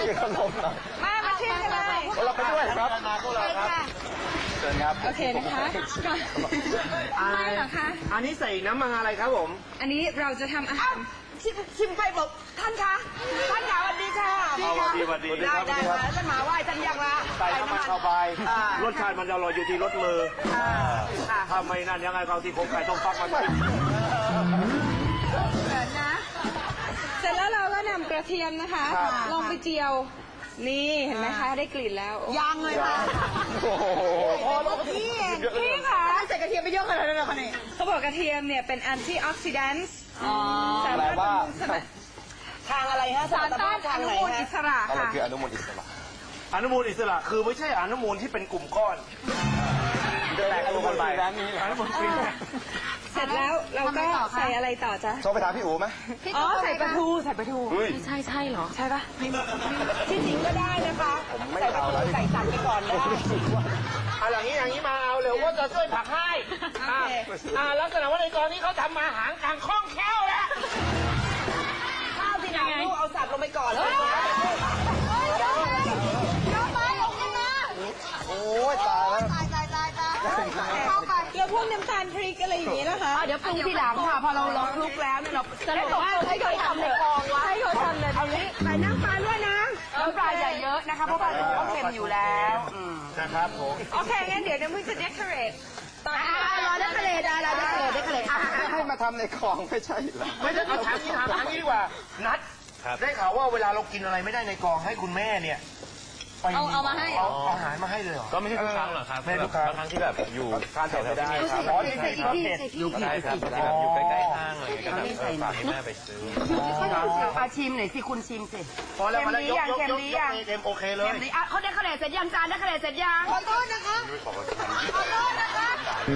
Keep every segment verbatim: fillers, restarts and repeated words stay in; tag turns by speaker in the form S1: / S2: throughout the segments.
S1: กินขนมหน่อย
S2: มามาชิมกันเลย
S1: เราไปด้วยครับมาพวกเราครับเชิญครับ
S2: โอเคนะคะไม่หรอคะ
S3: อันนี้ใส่น้ำมันอะไรครับผม
S2: อันนี้เราจะทำอาหารชิมชิมไปบอกท่านคะท่านคะสวัสดีค่ะ
S3: สวัสดีสวัสดี
S2: ได้ได้ค่ะท่านหมาไหว้ท่านยังละ
S3: ใส่น้ำมันเข้าไปรสชาติมันจะอร่อยอยู่ที่รสมือถ้าไม่นั่นยังไงก็ที่ผมไก่ต้มฟักมากิน
S2: เสร็จนะเสร็จแล้วเราก็นำกระเทียมนะคะลงไปเจียวนี่เห็นไหมคะได้กลิ่นแล้วยังเลยค่ะ
S1: โอ้โห
S2: โอ้โหพี่เองพี่ค่ะใส่กระเทียมไปเยอะขนาดนั้นเลยค่ะนี่เขาบอกกระเทียมเนี่ยเป็นแอนตี้ออกซิแดนต์สามารถบำรุงสมองทางอะไรฮะสารต้านอนุมูลอิสระ
S1: อะไร
S2: ค่ะ
S1: คืออนุมูลอิสระ
S3: อนุมูลอิสระคือไม่ใช่อนุมูลที่เป็นกลุ่มก้อน
S1: แตกตัวกันไปร้านนี้
S3: อนุมูลฟรี
S2: เสร็จแล้วเราก็ใส่อะไรต่อจ๊ะ
S1: โทรไปถามพี่อู๋ไหม
S2: อ๋อใส่ปลาทูใส่ปลาทู
S4: ใช่ใช่เหรอ
S2: ใช่ปะที่จริงก็ได้นะคะ
S1: ผมไม่เอาแล้ว
S2: ใส่ตัดไปก่อนได้
S3: เอาอย่างนี้อย่างนี้มาเอาเร็วว่าจะช่วยผักให้อ่าอ่าลักษณะว่าในตอนนี้เขาทำมาหางกลางคล่องแคล่วแล้ว
S2: ข้าวที่ไหนลูกเอาสับลงไปก่อนเลยยกมาลงกันนะ
S1: โอ้ยตายแล้ว
S2: ตายตายตายตายเข้าไปแล้วพวกน้ำตาลพริกอะไรอย่างนี้นะคะเดี๋ยวปรุงทีหลังค่ะพอเราลองคลุกแล้วเนี่ยเราสรุปว่าให้เขาทำในกองวะให้เขาทำเลยเอานี้ใส่น้ำปลาด้วยนะน้ำปลาอย่าเยอะนะคะเพราะปลาทูเขาเค็มอยู่แล้ว
S3: นะครับผม
S2: โอเคงั้นเดี๋ยวน้ำพึ่งจะ decorate ตอนนี้เรา decorate เรา decorate decorate
S1: ให้มาทำในคลองไม่ใช่เหรอ
S3: ไม่ได้เอาถามนี้ถามนี้ดีกว่านัดได้ข่าวว่าเวลาเรากินอะไรไม่ได้ในกองให้คุณแม่เนี่ยเอาเอามาให้เอาอาหารมาให้เลยเหรอ
S5: ก็ไม่ใช่ทุกครั้งหรอกครับ
S3: ไม่ทุกครั้ง
S5: บางครั้งที่แบบอยู่
S3: ทานเผ็ดไม่ได้ครับ
S2: ใส่ใส่อีกใส่อีก
S5: ใช่ครับที่แบบอยู่ใกล้ๆห้างอะไรอย่างเงี้ยก็แบบฝากให้แม่ไปซื้อ
S4: อาชิมหน่อยสิคุณชิมสิ
S3: พอแล้วมาแล้วยกยกยกยกเต็มโอเคเลย
S4: อ่ะเขาได้คะแนนเสร็จยังจานได้คะแนนเสร็จยัง
S2: ขอโทษนะคะขอโทษนะคะ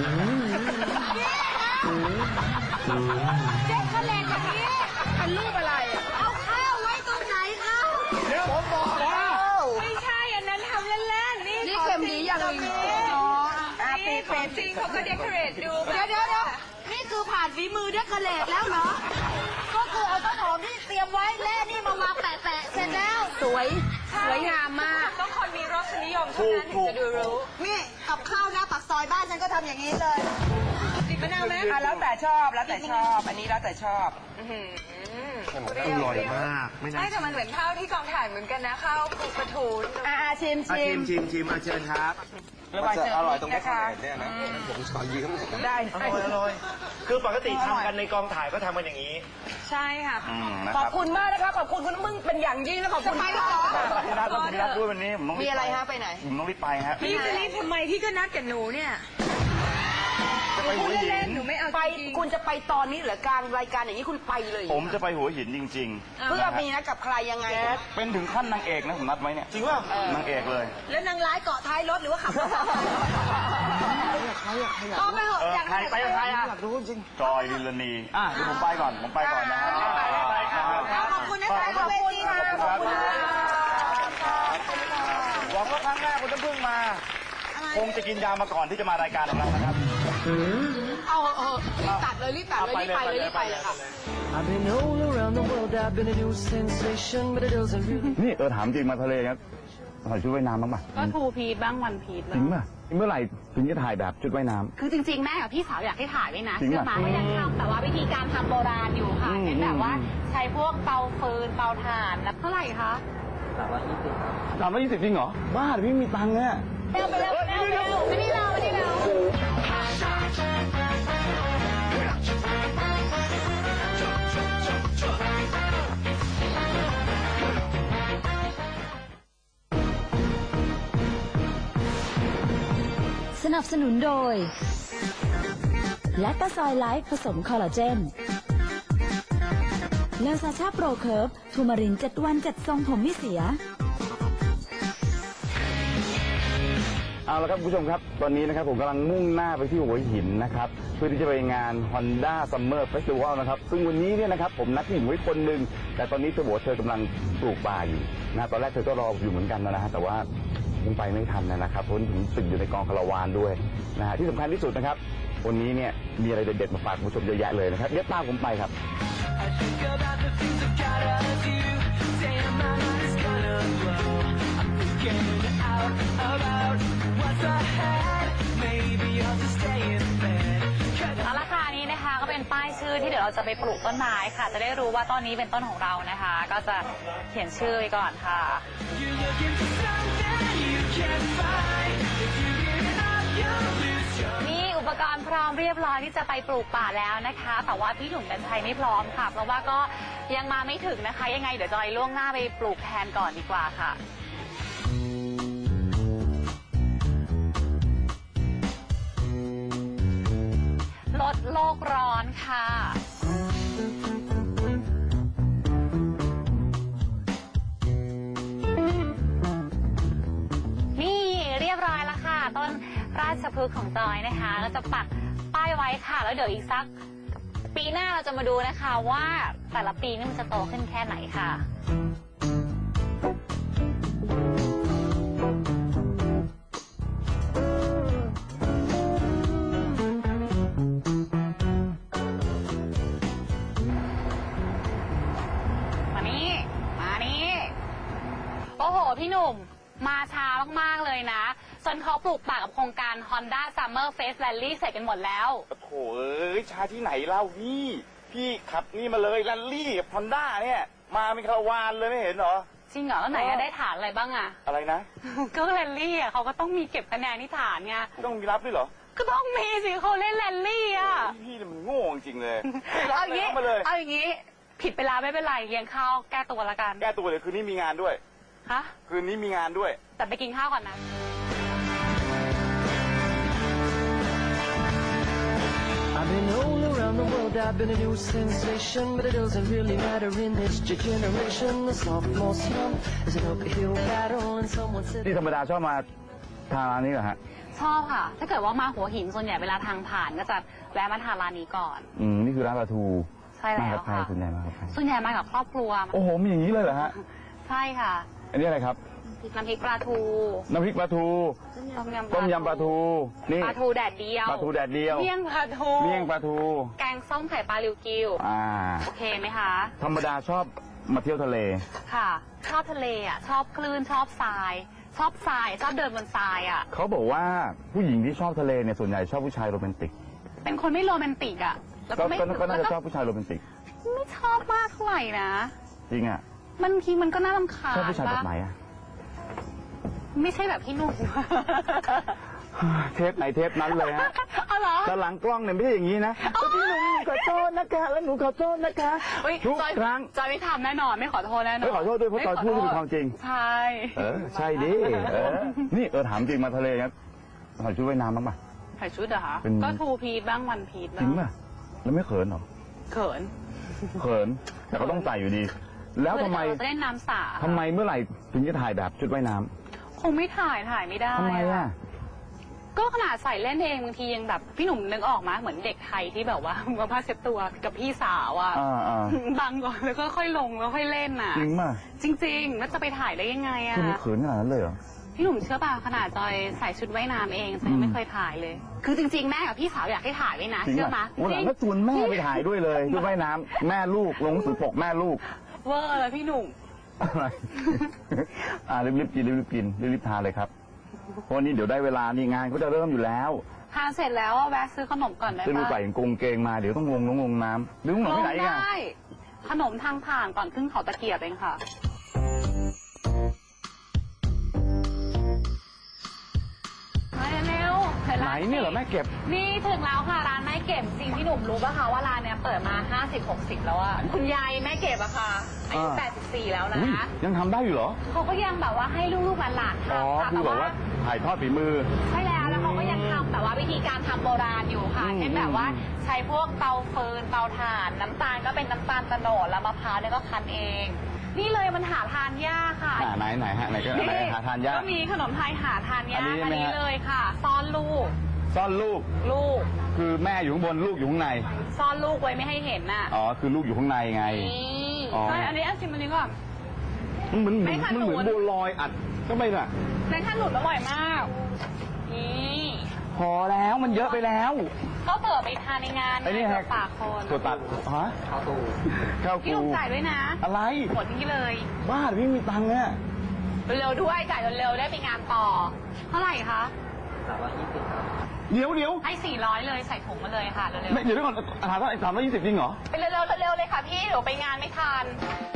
S2: เจ๊คะแนนแบบนี้เป็นรูปอะไรเอาข้าวไว้ตรงไหนคะ
S3: เดี๋ยวผมบอกแล้ว
S2: ไม่ใช่อันนั้นทำเล่นๆนี่
S4: นี่เค็มดีอย่างนี้
S2: นี่ของจริงเขาก็ decorate ดู
S4: เดี๋ยวเดี๋ยวเดี๋ยวนี่คือผ่านฝีมือเดคอเรทแล้วเหรอ ก็คือเอาต้นหอมที่เตรียมไว้แล่นี่มาวางแปะแปะเสร็จแล้ว สวย สวยงามมาก
S2: ต้องคนมีรสนิยมเท่านั้นถึงจะดูรู้
S6: นี่กับข้าวหน้าปากซอยบ้านฉันก็ทำอย่างนี้เลย
S2: ติดมะนาวไหม
S4: อ่ะแล้วแต่ชอบแล้วแต่ชอบ อันนี้แล้วแต่ชอบ
S3: อร่อยมากไม่น่า
S2: ใช่แต่มันเหมือนข้าวที่กองถ่ายเหมือนกันนะข้าวคลุกปลาทู
S4: อ่าชิม
S3: ชิ
S4: ชิ
S3: ม
S4: ม
S3: ชิมชิมอาเชิญครับ
S1: มันจะอร่อยตรงนี้เนี่ยนะผมขอยืม
S4: ได้
S3: อร่อยอร่อยคือปกติทำกันในกองถ่ายก็ทำกันอย่างนี้
S2: ใช่ค่ะ
S4: ขอบคุณมากนะคะ ขอบคุณคุณมึงเป็นอย่างยิ่งและขอบคุณมาก
S5: พี่นัทต้องพี่นัทด้วยวันนี้ผมต้อง
S4: มีอะไรฮะไปไหน
S5: ผมต้องรีบไปฮะ
S2: พี่จะรีบทำไมพี่ก็นัดกับหนูเนี่ย
S5: จะไปหัวหิ
S2: เล่
S5: น
S2: นๆหนูไม่เอา
S4: ไป
S2: จริง
S4: คุณจะไปตอนนี้เหรือกลางรายการอย่างนี้คุณไปเลย
S5: ผมจะไปหัวหินจริงๆ
S4: เพื่อมีนัดกับใครยังไง
S5: เป็นถึงขั้นนางเอกนะผมนัดไว้เนี่ย
S3: จริงว่า
S5: นางเอกเลย
S6: แล้วนางร้ายเกาะท้ายรถหรือว่าขับรถ
S4: ก็ไม่เหอะ
S3: เออ
S4: อยาก
S3: ใครไปกับใครอ่ะ
S5: จอยลิลลานีอ่ะเดี๋ยวผมไปก่อนผมไปก่อนนะฮะ
S3: ไปไปครับ
S6: ขอบคุณนะคะขอบคุณค่ะ
S3: ขอบคุณครับหวังว่าครั้งหน้าคุณจะพึ่งมา
S5: คงจะกินยามาก่อนที่จะมารายการของเรานะครับ
S4: เอาเออรีบตัดเลยรีบตัดเลยรีบไปเลยรีบไปเลยค่ะ
S7: I've been all around the world, I've been a new sensation, but it doesn't really
S5: นี่เออถามจริงมาทะเลครับถ่ายชุดว่ายน้ำบ้างป่ะ
S8: ก็ทูพีทบ้างวันพีท
S5: จริงป่ะเมื่อไหร่ถึงจะถ่ายแบบชุดว่ายน้ำ
S8: คือจริงๆ แม่กับพี่สาวอยากให้ถ่ายไว้นะ
S5: จริง
S8: เชื่อ
S5: ป่ะ
S8: มาก็ยังทำแต่ว่าวิธีการทำโบราณอยู่ค่ะ
S5: อืม
S8: เช่นแบบว่า
S5: อืม
S8: ใช้พวกเตาฟืนเตาถ่านแล้วเท่าไหร่คะ
S5: สามร้อยยี่สิบจริงเหรอบ้าเดี๋ยวพี่ไม่มีตังค์เนี่ย
S8: เร็วไปเร็วเร็วเร็วไม่ได้เราไม่ได้เรา
S9: สนับสนุนโดยแลคตาซอยไลฟ์ผสมคอลลาเจนเลอซาชาโปรเคิร์ฟทูมารินเจ็ดวันเจ็ดทรงผมไม่เสีย
S5: เอาละครับคุณผู้ชมครับตอนนี้นะครับผมกำลังมุ่งหน้าไปที่หัวหินนะครับเพื่อที่จะไปงาน Honda Summer Festival นะครับซึ่งวันนี้เนี่ยนะครับผมนัดผู้หญิงไว้คนหนึ่งแต่ตอนนี้เธอบอกว่าเธอกำลังปลูกป่าอยู่นะตอนแรกเธอก็รออยู่เหมือนกันนะฮะแต่ว่ายังไปไม่ทันนะครับเพราะผมติดอยู่ในกองคาราวานด้วยนะฮะที่สำคัญที่สุดนะครับวันนี้เนี่ยมีอะไรเด็ดๆมาฝากคุณผู้ชมเยอะแยะเลยนะครับเดี๋ยวตามผมไปครับ
S7: I think about the things I gotta do. Damn, my mind's gonna blow.
S8: จะไปปลูกต้นไม้ค่ะ จะได้รู้ว่าต้นนี้เป็นต้นของเรานะคะ ก็จะเขียนชื่อไว้ก่อนค่ะ นี่อุปกรณ์พร้อมเรียบร้อยที่จะไปปลูกป่าแล้วนะคะ แต่ว่าพี่หนุ่มกัญชัยไม่พร้อมค่ะ เพราะว่าก็ยังมาไม่ถึงนะคะ ยังไงเดี๋ยวจอยล่วงหน้าไปปลูกแทนก่อนดีกว่าค่ะลดโลกร้อนค่ะนี่เรียบร้อยแล้วค่ะต้นราชพฤกษ์ของจอยนะคะก็จะปักป้ายไว้ค่ะแล้วเดี๋ยวอีกสักปีหน้าเราจะมาดูนะคะว่าแต่ละปีนี่มันจะโตขึ้นแค่ไหนค่ะมานี่มานี่โอ้โหพี่หนุ่มมาช้ามากๆเลยนะจนเขาปลูกป่ากับโครงการ Honda Summer Face Rally เสร็จกันหมดแล้ว
S5: โอ้โหเอ้ยช้าที่ไหนเล่าพี่พี่ขับนี่มาเลยแรลลี่กับฮอนด้าเนี่ยมาเป็นคาราวานเลยไม่เห็นเหรอ
S8: จริงเหรอแล้วไหนได้ฐานอะไรบ้างอะ
S5: อะไรนะ
S8: ก็แรลลี่อะเขาก็ต้องมีเก็บคะแนนที่ฐานไง
S5: ต้องมีรับด้วยเหรอ
S8: ก็ต้องมีสิเขาเล่นแรลลี่อะ
S5: พี่มันโง่จริงเลย
S8: เอาอย่างนี้เอาอย่างนี้ผิดไปแล้วไม่เป็นไรเลี้ยงข้าวแก้ตัวละกัน
S5: แก้ตัวเดี๋ยวคืนนี้มีงานด้วย
S8: ฮะ
S5: คืนนี้มีงานด้วย
S8: แต่ไปกินข้าวก่อนนะ
S7: I've been all around the world, I've been a new sensation, but it doesn't really matter in this generation. The sophomore slump is an uphill battle, and someone said.
S5: ที่ธรรมดาชอบมาทานร้านนี้เหรอฮะ
S8: ชอบค่ะถ้าเกิดว่ามาหัวหินส่วนใหญ่เวลาทางผ่านก็จะแวะมาทานร้านนี้ก่อน
S5: อืมนี่คือร้านปลาทู
S8: ใช่แล้วค่ะ
S5: ส่วนใหญ่มากับใคร
S8: ส่วนใหญ่มากับครอบครัว
S5: โอ้โหมีอย่างนี้เลยเหรอฮะ
S8: ใช่ค่ะ
S5: อันนี้อะไรครับ
S8: น้ำพริกปลาทู
S5: น้ำพริกปลาทูต้มยำปลาทู
S8: นี่ปลาทูแดดเดียว
S5: ปลาทูแดดเดียว
S8: เมี่ยงปลาทู
S5: เมี่ยงปลาทู
S8: แกงส้มไข่ปลาลิวกิว
S5: อ่า
S8: โอเคไหมคะ
S5: ธรรมดาชอบมาเที่ยวทะเล
S8: ค่ะชอบทะเลอ่ะชอบคลื่นชอบทรายชอบทรายชอบเดินบนทรายอ่ะ
S5: เขาบอกว่าผู้หญิงที่ชอบทะเลเนี่ยส่วนใหญ่ชอบผู้ชายโรแมนติก
S8: เป็นคนไม่โรแมนติกอ่ะ
S5: แล้วก็ไม่ก็น่าจะชอบผู้ชายโรแมนติก
S8: ไม่ชอบมากเท่าไหร่นะ
S5: จริงอ่ะ
S8: มันทีมันก็น่ารำคาญ
S5: ชอบผู้ชายแบบไหนอ่ะ
S8: ไม่ใช่แบบพี่นุ่ม
S5: เทปไหนเทปนั้นเลยฮะ
S8: อ๋อเหรอ
S5: แต่หลังกล้องเนี่ยไม่ใช่อย่างนี้นะพี่หนุ่มขอโทษนะคะแล้วหนูขอโทษนะคะทุกครั้ง
S8: จอยไม่ทำแน่นอนไม่ขอโทษแน่นอน
S5: ไม่ขอโทษด้วยเพราะจอยพูดเป็นความจริง
S8: ใช่
S5: เออใช่ดิเออนี่เออถามจริงมาทะเลครับใส่ชุดว่ายน้ำบ้างป่ะ
S8: ใส่ชุดเหรอคะก็ทูพีทบ้างวันพีทบ้าง
S5: จริงป่ะแล้วไม่เขินหรอ
S8: เขิน
S5: เขินแต่ก็ต้องใส่อยู่ดีแล้วทำไม
S8: จะเล่นน้ำสา
S5: ทำไมเมื่อไหร่ถึงจะถ่ายแบบชุดว่ายน้ำ
S8: คงไม่ถ่ายถ่ายไม่ได้
S5: ทำไมอ่ะ
S8: ก็ขนาดใส่เล่นเองบางทียังแบบพี่หนุ่มนึกออกมาเหมือนเด็กไทยที่แบบว่าเอาผ้าเช็ดตัวกับพี่สาวอ่ะบังก่อนแล้วก็ค่อยลงแล้วค่อยเล่นอ่ะ
S5: จริงป่ะ
S8: จริงๆแล้วจะไปถ่ายได้ยังไงอ่ะ
S5: คุณเขินขนาดนั้นเลยเหรอ
S8: พี่หนุ่มเชื่อป่ะขนาดจอยใส่ชุดว่ายน้ำเองจอยไม่เคยถ่ายเลยคือจริงๆแม่กับพี่สาวอยากให้ถ่ายไว้นะเชื่อไหม
S5: วันหลังก็ชวนแม่ไปถ่ายด้วยเลยชุดว่ายน้ำแม่ลูกลงสือปกแม่ลูก
S8: เวอร์เลยพี่หนุ่ม
S5: อะไรอ่ารีบๆกินรีบๆกินรีบๆทานเลยครับเพราะนี้เดี๋ยวได้เวลานี่งานเขาจะเริ่มอยู่แล้ว
S8: ทานเสร็จแล้วแวะซื้อขนมก่อนได้
S5: ปะซื้อใส่กงเกงมาเดี๋ยวต้องงงงงน้ำหรือขนมที่ไหนกัน
S8: ได้ขนมทางผ่านก่อนขึ้นเขาตะเกียบเองค่ะเร็ว
S5: ไหนเนี่ยเหรอแม่เก็บ
S8: นี่ถึงแล้วค่ะร้านแม่เก็บจริงพี่หนุ่มรู้ป่ะคะว่าร้านเนี้ยเปิดมาห้าสิบ หกสิบแล้วอะคุณยายแม่เก็บอะค่ะอายุแปดสิบสี่แล้วนะ
S5: ยังทำได้อยู่เหรอ
S8: เขาก็ยังแบบว่าให้ลูกๆหลานๆทำ
S5: ค่ะคือแบบว่าถ่ายทอดฝีมือ
S8: ใช่แล้วแล้วเขาก็ยังทำแบบว่าวิธีการทำโบราณอยู่ค่ะเช่นแบบว่าใช้พวกเตาฟืนเตาถ่านน้ำตาลก็เป็นน้ำตาลโตโนดแล้วมะพร้าวเนี่ยก็คั้นเองนี่เลยมันหาทานยากค่ะ
S5: ไหนไหนฮะไหนก็ไหนหาทานยาก
S8: ก็มีขนมไทยหาทานยากอันนี้เลยค่ะซ่อนลูก
S5: ซ่อนลูก
S8: ลูก
S5: คือแม่อยู่ข้างบนลูกอยู่ข้างใน
S8: ซ่อนลูกไว้ไม่ให้เห็นน่ะ
S5: อ๋อคือลูกอยู่ข้างในไง
S8: อ๋ออันนี้อันชิมอันนี้ก่อน
S5: มันเหมือนมันเหมือนบัวลอยอัดก็ไม่น่ะ
S8: ในขั้นหลุดอร่อยมากนี่
S5: พอแล้วมันเยอะไปแล้ว
S8: ก็เปิดไปทานในงาน
S5: ไอ้นี่ฮะ
S8: ปากคน
S5: ตัวตัดฮะข้าวตูข้าวกู
S8: พี่ต้องจ่ายด้วยนะ
S5: อะไร
S8: หมดที่เลย
S5: บ้าพี่มีตังค์เนี่ย
S8: เร็วด้วยจ่ายเร็วๆได้ไปงานต่อเท่าไหร่คะ
S5: เดี๋ยวเดี๋ยว
S8: ให้สี่ร้อยเลยใส่ถุงมาเลยค่ะเร็ว
S5: ไม่เดี๋ยวก่อนถามว่าสามร้อยยี่สิบจริงเหรอ
S8: ๆไปเร็วๆเร็วๆเลยค่ะพี่เดี๋ยวไปงานไม่ทัน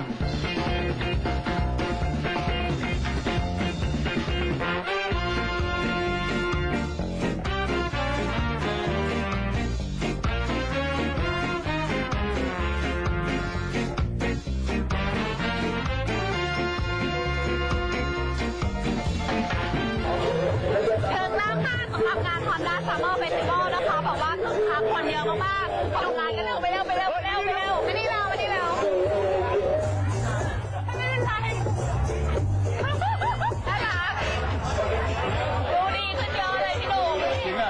S8: ถึงแล้วค่ะสำหรับงาน Honda Summer Festival นะคะบอกว่าคึกคักคนเยอะมากๆไปดูงานกันเร็วไปเร็วไปเร็วไปเร็วไปเร็วไม่ได้เร็วไม่ได้เร็วไม่ได้ใช่น่ารักดูดีขึ้นเยอะเลยพี่หนุ่ม
S5: จริงอ่ะ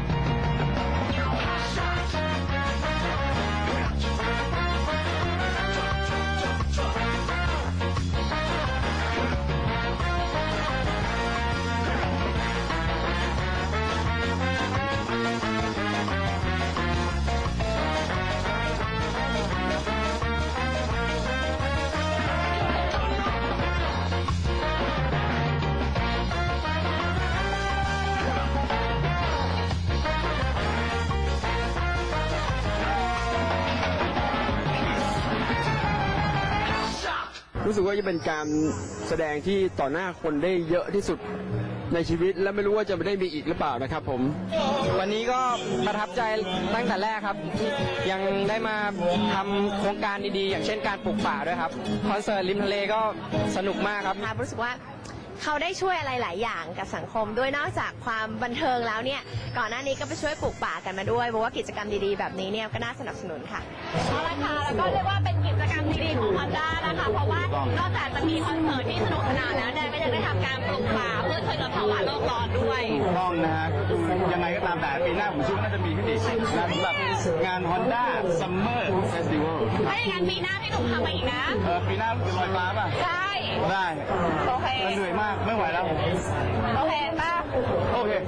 S10: รู้สึกว่าจะเป็นการแสดงที่ต่อหน้าคนได้เยอะที่สุดในชีวิตและไม่รู้ว่าจะได้มีอีกหรือเปล่านะครับผม
S11: วันนี้ก็ประทับใจตั้งแต่แรกครับ ยังได้มาทำโครงการดีๆ อย่างเช่นการปลูกป่าด้วยครับคอนเสิร์ตริมทะเลก็สนุกมากครับ
S4: ค่ะรู้สึกว่าเขาได้ช่วยอะไรหลายอย่างกับสังคมด้วยนอกจากความบันเทิงแล้วเนี่ยก่อนหน้านี้ก็ไปช่วยปลูกป่ากันมาด้วยบอกว่ากิจกรรมดีๆแบบนี้เนี่ยก็น่าสนับสนุนค่ะ
S8: เอาละค่ะแล้วก็เรียกว่าเป็นกิจกรรมดีๆของ Honda นะคะ เพราะว่านอกจากจะมีคอนเสิร์ตที่สนุกสนานแล้วเนี่ยก็ยังได้ทำการปลูกป่าเพื่อช่วยลดภาวะโลกร้อนด้วย
S5: ถูกต้องนะฮะยังไงก็ตามแต่ปีหน้าผมเชื่อว่าน่าจะมีขึ้นอีกนะสำหรับงาน Honda Summer Festival
S8: ถ้าอย่างนั้นปีหน้าพี่หนุ่มทำมาอีกนะ
S5: เออปีหน้าจะลอยฟ้าป่ะ
S8: ได้
S5: ได้
S8: โอเค
S5: เหนื่อยมากไม่ไหวแล้ว
S8: โอเคป่ะ
S5: โอเค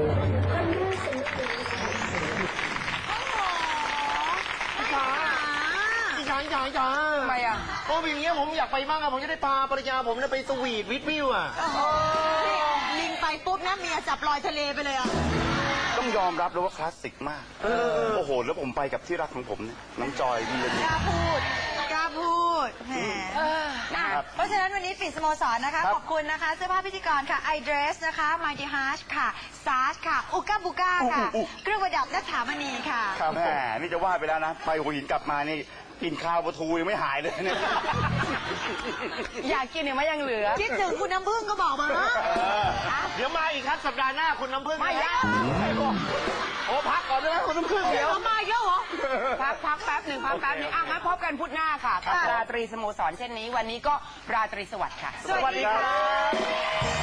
S3: พี่ช้างช้างช้างทำไมอ่ะโอ้ยอย่างเงี้ยผมอยากไปบ้างอะผมจะได้พาภรรยาผมเนี่ยไปสวีทวิทวิวอะ
S6: ลิงไปปุ๊บนะเมียจับลอยทะเลไปเลยอ่ะ
S5: ต้องยอมรับเลยว่าคลาสสิกมาก โอ้โห แล้วผมไปกับที่รักของผมเนี่ยน้องจอยมีเลย
S6: กล้าพูด กล้าพูดแหม
S5: ครับ
S6: เพราะฉะนั้นวันนี้ปิดสโมสรนะคะ
S5: ครับ
S6: ขอบคุณนะคะ เสื้อผ้าพิธีกรค่ะ i dress นะคะ mighty hush ค่ะ ซาร์ชค่ะ อุก้าบุก้าค่ะ เครื่องประดับและถามณีค่ะ
S5: ครับแหมนี่จะว่าไปแล้วนะ ไปหัวหินกลับมานี่กินข้าวปลาทูยังไม่หายเลยเนี่ย
S2: อยากกินเนี่ยมันยังเหลือ
S6: คิดถึงคุณน้ำพึ่งก็บอกมา
S3: เดี๋ยวมาอีกครับสัปดาห์หน้าคุณน้ำพึ่ง
S2: ไม่ได้
S3: โอ้พักก่อนได้ไหมคุณน้ำพึ่งเดี๋ยว
S2: มาอีกแล้วเหรอ พักพักแป๊บหนึ่งพักแป๊บหนึ่งอ่ะงั้นพบกันพุธหน้าค่ะกับราตรีสโมสรเช่นนี้ วันนี้ก็ราตรีสวัสดิ์ค่ะ
S6: สวัสดีค่ะ